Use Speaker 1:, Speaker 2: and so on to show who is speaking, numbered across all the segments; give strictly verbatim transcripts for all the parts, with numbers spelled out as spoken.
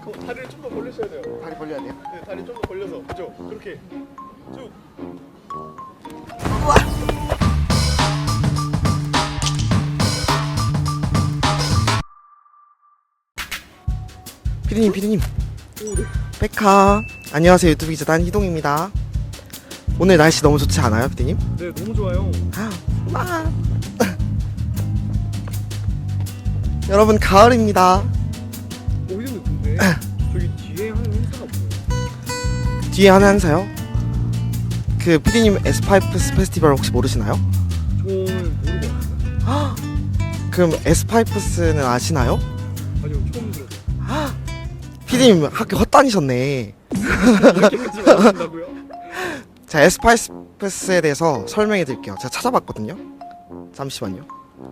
Speaker 1: 그 다리를 좀 더 벌리셔야 돼요.
Speaker 2: 다리 벌려야 돼요?
Speaker 1: 네, 다리 좀 더 벌려서 그죠? 그렇게 쭉.
Speaker 2: 피디님 피디님
Speaker 1: 오, 네.
Speaker 2: 백화 안녕하세요. 유튜브 기자 단희동입니다. 오늘 날씨 너무 좋지 않아요 피디님?
Speaker 1: 네, 너무 좋아요.
Speaker 2: 아. 여러분 가을입니다.
Speaker 1: 오, 이름은 근데 저기 뒤에 하는 행사가 뭐예요?
Speaker 2: 뒤에 하는 행사요? 그 피디님 에스파이프스 페스티벌 혹시 모르시나요?
Speaker 1: 저는 모르고 왔어요.
Speaker 2: 그럼 에스파이프스는 아시나요?
Speaker 1: 아니요, 처음 들었어요.
Speaker 2: 피디님 학교 헛다니셨네.
Speaker 1: 이렇게까지 말하신다고요?
Speaker 2: 자, 에스파이프스에 대해서 설명해 드릴게요. 제가 찾아봤거든요. 잠시만요.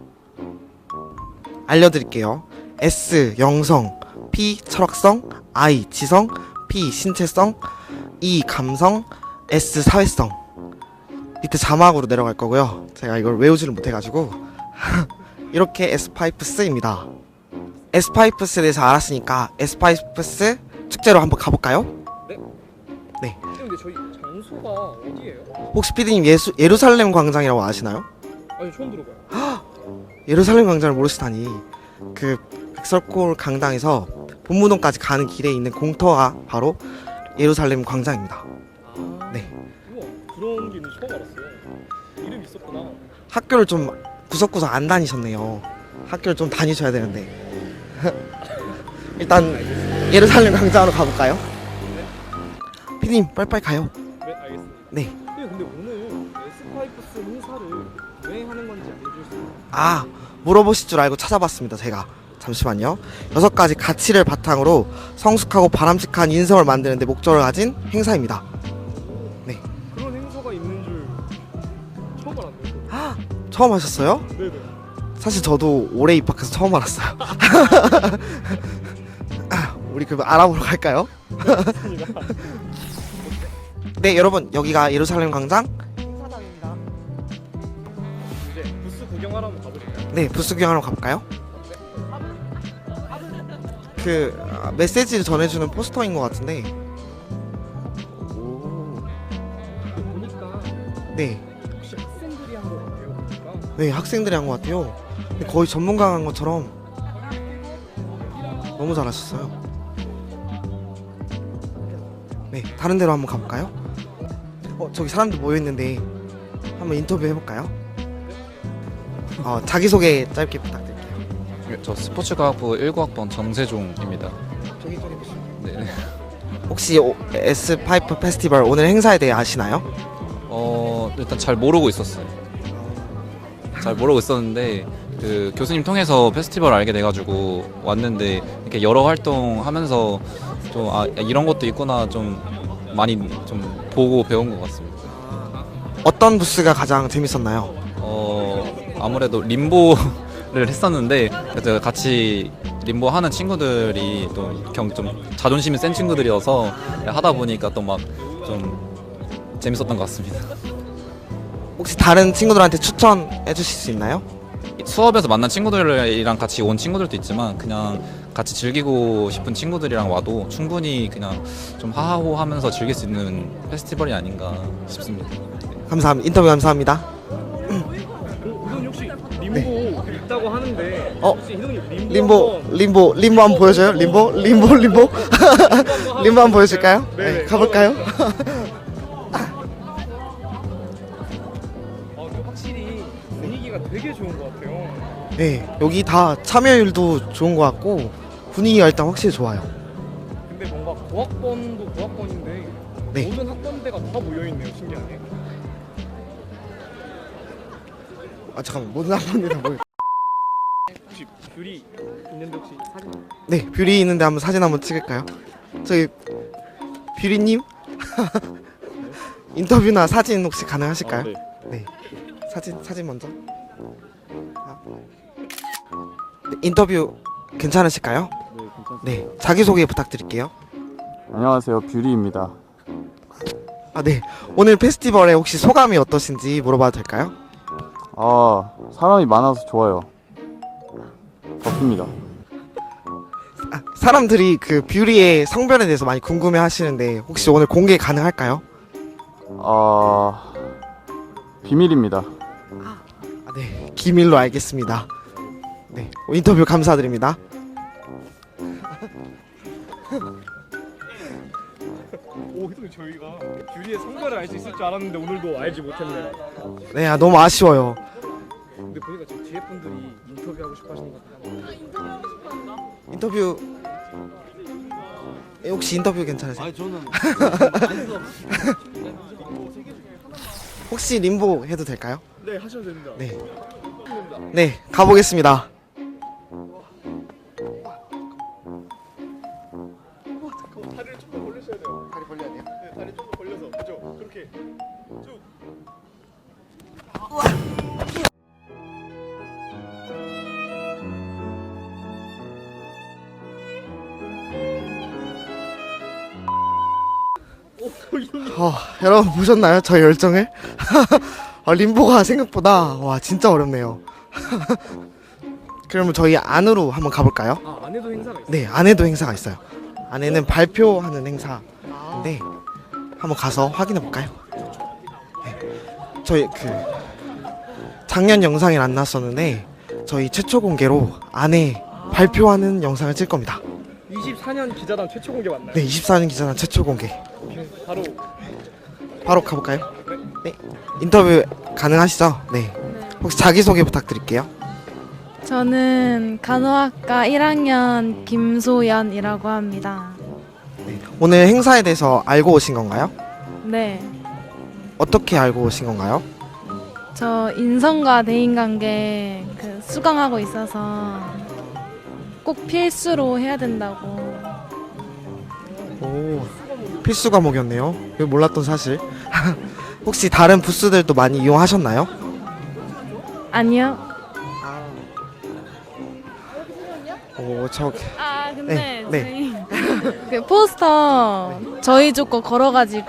Speaker 2: 알려드릴게요. S 영성, P 철학성, I 지성, P 신체성, E 감성, S 사회성. 밑에 자막으로 내려갈 거고요. 제가 이걸 외우지를 못해가지고 이렇게 에스파이프스입니다. 에스파이프스에 대해서 알았으니까 에스파이프스 축제로 한번 가볼까요?
Speaker 1: 네?
Speaker 2: 네.
Speaker 1: 근데 저희 장소가 어디예요?
Speaker 2: 혹시 피디님 예수, 예루살렘 광장이라고 아시나요?
Speaker 1: 아니, 처음 들어봐요.
Speaker 2: 예루살렘 광장을 모르시다니. 그 백설골 강당에서 본무동까지 가는 길에 있는 공터가 바로 예루살렘 광장입니다.
Speaker 1: 아,
Speaker 2: 네.
Speaker 1: 우와, 그런 게 있는지 처음 알았어요. 이름이 있었구나.
Speaker 2: 학교를 좀 구석구석 안 다니셨네요. 학교를 좀 다니셔야 되는데. 일단 예루살렘 광장으로 가볼까요?
Speaker 1: 네.
Speaker 2: 피디님 빨리빨리 가요.
Speaker 1: 네, 알겠습니다.
Speaker 2: 네.
Speaker 1: 네, 근데 오늘 에스파이프스 행사를 왜 하는 건지 알려줄 수 있나요?
Speaker 2: 아, 물어보실 줄 알고 찾아봤습니다. 제가 잠시만요. 여섯 가지 가치를 바탕으로 성숙하고 바람직한 인성을 만드는 데 목적을 가진 행사입니다. 네.
Speaker 1: 그런 행사가 있는 줄 처음 알았네요.
Speaker 2: 처음 하셨어요?
Speaker 1: 네네.
Speaker 2: 사실 저도 올해 입학해서 처음 알았어요. 우리 그럼 알아보러 갈까요?
Speaker 1: 맞습니다.
Speaker 2: 네, 여러분 여기가 예루살렘 광장 행사장입니다.
Speaker 1: 이제 부스 구경하러 한번 가보실까요?
Speaker 2: 네, 부스 구경하러 가볼까요? 그 아, 메시지를 전해주는 포스터인 것 같은데. 오.
Speaker 1: 보니까
Speaker 2: 네,
Speaker 1: 혹시 학생들이 한 거 같아요. 보니까.
Speaker 2: 네 학생들이 한 것 같아요. 근데 거의 전문가가 한 것처럼 너무 잘하셨어요. 네, 다른 데로 한번 가볼까요? 어, 저기 사람들 모여 있는데 한번 인터뷰 해볼까요? 어, 자기소개 짧게 부탁드릴게요.
Speaker 3: 네, 저 스포츠과학부 일 구 학번 정세종입니다.
Speaker 2: 저기 저기 보시면.
Speaker 3: 네.
Speaker 2: 혹시 오, 에스파이프 페스티벌 오늘 행사에 대해 아시나요?
Speaker 3: 어 일단 잘 모르고 있었어요. 잘 모르고 있었는데 그 교수님 통해서 페스티벌 알게 돼가지고 왔는데 이렇게 여러 활동하면서 좀 아 이런 것도 있구나 좀 많이 좀 보고 배운 것 같습니다.
Speaker 2: 어떤 부스가 가장 재밌었나요?
Speaker 3: 어 아무래도 림보를 했었는데 그래서 같이 림보 하는 친구들이 또 좀 자존심이 센 친구들이어서 하다 보니까 또 막 좀 재밌었던 것 같습니다.
Speaker 2: 혹시 다른 친구들한테 추천해 주실 수 있나요?
Speaker 3: 수업에서 만난 친구들이랑 같이 온 친구들도 있지만 그냥 같이 즐기고 싶은 친구들이랑 와도 충분히 그냥 좀 하하호하면서 즐길 수 있는 페스티벌이 아닌가 싶습니다.
Speaker 2: 감사합니다. 인터뷰 감사합니다.
Speaker 1: 어, 희동이 혹시 림보 있다고 하는데
Speaker 2: 어?
Speaker 1: 혹시 희동님 림보
Speaker 2: 림보
Speaker 1: 한번
Speaker 2: 림보 림보 한번 보여줘요? 림보 림보 림보 림보 한번 보여줄까요? 네, 가볼까요?
Speaker 1: 아, 근데 확실히 분위기가 되게 좋은 것 같아요.
Speaker 2: 네, 여기 다 참여율도 좋은 것 같고 분위기가 일단 확실히 좋아요.
Speaker 1: 근데 뭔가 고학번도 고학번인데
Speaker 2: 네.
Speaker 1: 모든 학번대가 다 모여있네요. 신기하게.
Speaker 2: 아 잠깐만, 모든 학번이 다 모여.
Speaker 1: 혹시 뷰리 있는데 혹시 사진?
Speaker 2: 네, 뷰리 있는데 한번 사진 한번 찍을까요? 저기 뷰리님 인터뷰나 사진 혹시 가능하실까요?
Speaker 1: 아, 네.
Speaker 2: 네, 사진 사진 먼저. 아. 네, 인터뷰 괜찮으실까요?
Speaker 4: 네, 괜찮습니다.
Speaker 2: 네, 자기 소개 부탁드릴게요.
Speaker 4: 안녕하세요, 뷰리입니다.
Speaker 2: 아, 네, 오늘 페스티벌에 혹시 소감이 어떠신지 물어봐도 될까요?
Speaker 4: 아, 사람이 많아서 좋아요. 덥습니다.
Speaker 2: 아, 사람들이 그 뷰리의 성별에 대해서 많이 궁금해 하시는데 혹시 오늘 공개 가능할까요?
Speaker 4: 아, 비밀입니다.
Speaker 2: 아, 네, 기밀로 알겠습니다. 네, 인터뷰 감사드립니다.
Speaker 1: 오 희동이 저희가 뷰리의 성별을 알 수 있을 줄 알았는데 오늘도 알지 못했네요.
Speaker 2: 네, 아, 너무 아쉬워요.
Speaker 1: 근데 보니까 저 뒤에 분들이 인터뷰하고 싶어 하시는 것 같아요.
Speaker 2: 인터뷰 예, 혹시 인터뷰 괜찮으세요?
Speaker 5: 아니 저는
Speaker 2: 혹시 림보 해도 될까요?
Speaker 1: 네 하셔도 됩니다.
Speaker 2: 네, 네 가보겠습니다.
Speaker 1: 다리를 좀 더 벌리셔야 돼요.
Speaker 2: 다리 벌려야 돼요?
Speaker 1: 네, 다리 좀 더 벌려서 그죠? 그렇게 쭉.
Speaker 2: 어, 여러분 보셨나요? 저 열정을? 아, 림보가 생각보다 와 진짜 어렵네요. 그러면 저희 안으로 한번 가볼까요?
Speaker 1: 아 안에도 행사가 있어요?
Speaker 2: 네, 안에도 행사가 있어요. 안에는 발표하는 행사인데 한번 가서 확인해 볼까요? 네, 저희 그 작년 영상에 안 났었는데 저희 최초 공개로 안에 발표하는 영상을 찍을 겁니다.
Speaker 1: 이십사 년 기자단 최초 공개 맞나요?
Speaker 2: 네, 이십사 년 기자단 최초 공개.
Speaker 1: 오케이, 바로
Speaker 2: 바로 가볼까요? 네, 인터뷰 가능하시죠? 네. 혹시 자기소개 부탁드릴게요.
Speaker 6: 저는 간호학과 일 학년 김소연이라고 합니다.
Speaker 2: 오늘 행사에 대해서 알고 오신 건가요?
Speaker 6: 네,
Speaker 2: 어떻게 알고 오신 건가요?
Speaker 6: 저 인성과 대인관계 그 수강하고 있어서 꼭 필수로 해야 된다고.
Speaker 2: 오, 필수 과목이었네요. 이거 몰랐던 사실. 혹시 다른 부스들도 많이 이용하셨나요?
Speaker 6: 아니요.
Speaker 2: 오, 저
Speaker 6: 아 근데
Speaker 2: 네,
Speaker 6: 저희 그 포스터 저희 쪽 거 걸어가지고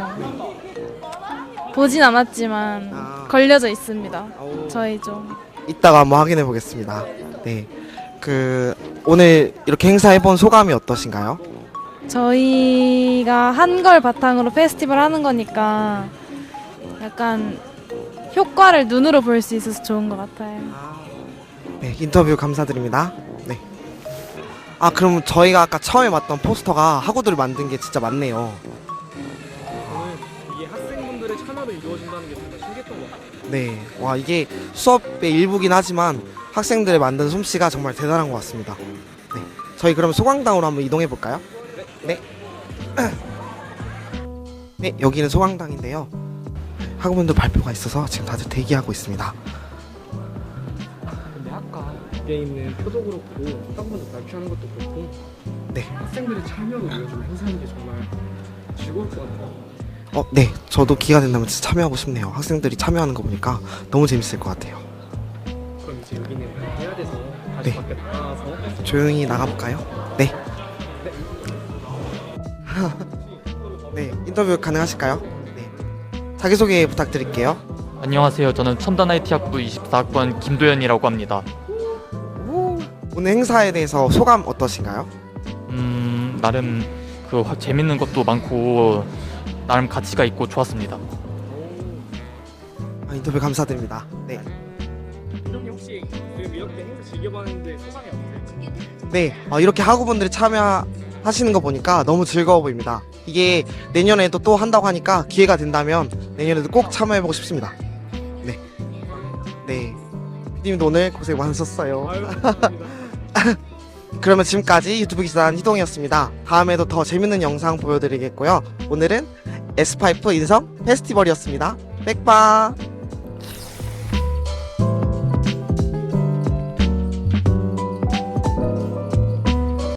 Speaker 6: 보진 않았지만
Speaker 2: 아.
Speaker 6: 걸려져 있습니다.
Speaker 2: 오,
Speaker 6: 저희 쪽.
Speaker 2: 이따가 한번 확인해 보겠습니다. 네, 그 오늘 이렇게 행사해본 소감이 어떠신가요?
Speaker 6: 저희가 한 걸 바탕으로 페스티벌 하는 거니까 약간 효과를 눈으로 볼 수 있어서 좋은 것 같아요.
Speaker 2: 네, 인터뷰 감사드립니다. 네. 아, 그럼 저희가 아까 처음에 봤던 포스터가 학우들이 만든 게 진짜 많네요.
Speaker 1: 저는 이게 학생분들의 참여로 이루어진다는 게 정말 신기했던 것 같아요.
Speaker 2: 네, 와 이게 수업의 일부긴 하지만 학생들의 만든 솜씨가 정말 대단한 것 같습니다. 네, 저희 그럼 소강당으로 한번 이동해 볼까요? 네. 네, 여기는 소강당인데요. 학우분들 발표가 있어서 지금 다들 대기하고 있습니다.
Speaker 1: 근데 아까 뒤에 있는 표도 그렇고 학생분들 발표하는 것도 그렇고
Speaker 2: 네.
Speaker 1: 학생들의 참여로 이루어지는 행사인 게 정말 즐거울 것 같아요.
Speaker 2: 어, 네, 저도 기회가 된다면 진짜 참여하고 싶네요. 학생들이 참여하는 거 보니까 너무 재밌을 것 같아요.
Speaker 1: 그럼 이제 여기는 해야 돼서 다시
Speaker 2: 네.
Speaker 1: 밖에 나가서
Speaker 2: 조용히 나가볼까요? 네. 네, 인터뷰 가능하실까요? 네. 자기소개 부탁드릴게요.
Speaker 7: 안녕하세요. 저는 첨단 아이티 학부 이십사 학번 김도현이라고 합니다.
Speaker 2: 오늘 행사에 대해서 소감 어떠신가요?
Speaker 7: 음, 나름 그 화- 재밌는 것도 많고 나름 가치가 있고 좋았습니다.
Speaker 2: 아, 인터뷰 감사드립니다. 네.
Speaker 1: 이동이 혹시 지금 이렇게 행사 즐겨봤는데 소감이 어떠세요?
Speaker 2: 네, 어, 이렇게 학우분들이 참여하시는 거 보니까 너무 즐거워 보입니다. 이게 내년에도 또 한다고 하니까 기회가 된다면 내년에도 꼭 참여해보고 싶습니다. 네. 네. 피디님도 오늘 고생 많으셨어요.
Speaker 1: 아유 감사합니다.
Speaker 2: 그러면 지금까지 유튜브 기사단 희동이었습니다. 다음에도 더 재밌는 영상 보여드리겠고요. 오늘은 에스파이프 인성 페스티벌이었습니다. 백바!